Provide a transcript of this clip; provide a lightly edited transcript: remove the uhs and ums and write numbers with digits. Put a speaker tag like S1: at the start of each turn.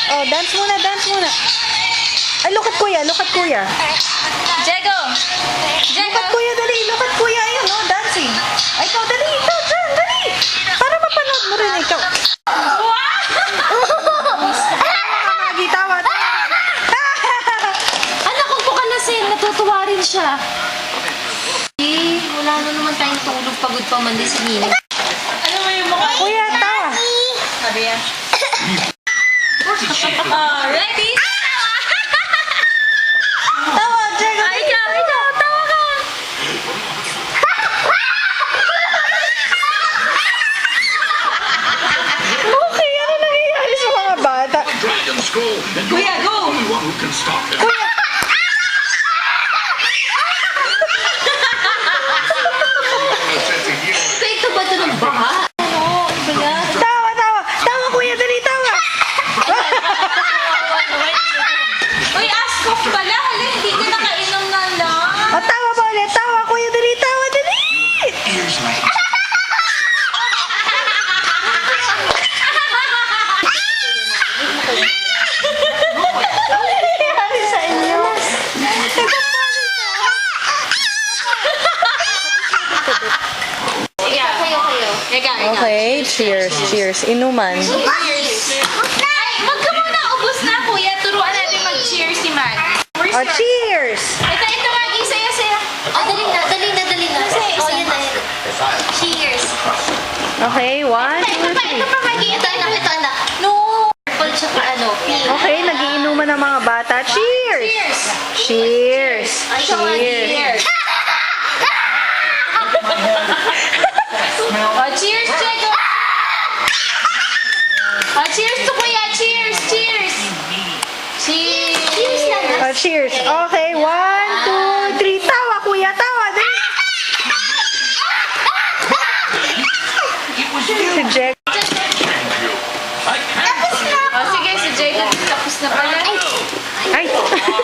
S1: Oh, dance muna, dance muna. Ay, look at kuya, look at kuya.
S2: Jego!
S1: Look at kuya, dali. Look at kuya. Ayun, oh, dancing. Ay, ikaw, dali. Ikaw, dyan, dali. Para mapanood mo rin, ikaw. Tawa, tawa.
S2: Anak, huwag po ka lasing. Natutuwa rin siya. Eh, wala na naman tayong tulog. Pagod pa man din si Nina. Ano mo yung mukha?
S1: Kuya, tawa.
S2: Sabi yan. Ready?
S1: Tawa, Jego.
S2: Ay, ikaw, tawa ka.
S1: Okay, ano nangyayari sa mga bata?
S2: Kuya, go!
S1: Kuya.
S2: Ito ba ito ng baha? Ano? Iba yan?
S1: Tawa, tawa. Tawa, kuya, dali, tawa.
S2: Uy, ask off pala. Hala, hindi ka nakainom na lang.
S1: O, tawa ba ulit? Tawa, kuya, dali, tawa, dali. Ano nangyayari sa inyo?
S2: Kayo.
S1: Okay, cheers, cheers. Inuman.
S2: Cheers. Ay, wag ka muna. Ubus na, kuya. Turuan natin mag-cheers si Matt.
S1: O, cheers.
S2: Ito, Maggie. Saya. Oh, dali na. Oh, yun na. Cheers.
S1: Okay, 1, 2, 3.
S2: Ito pa, Maggie. Ito, anak. No. Purple tsaka pink.
S1: Okay, nagiinuman ng mga bata. Cheers! Cheers!
S2: Ay, ikaw, Maggie.
S1: Cheers!
S2: Oh, cheers, Jego. Oh, cheers to kuya. Cheers. Cheers.
S1: O, cheers. Okay, 1, 2, 3. Tawa, kuya. Tawa. Dali. Si Jack.
S2: Oh, sige, si Jego tapos na pala.
S1: Ay!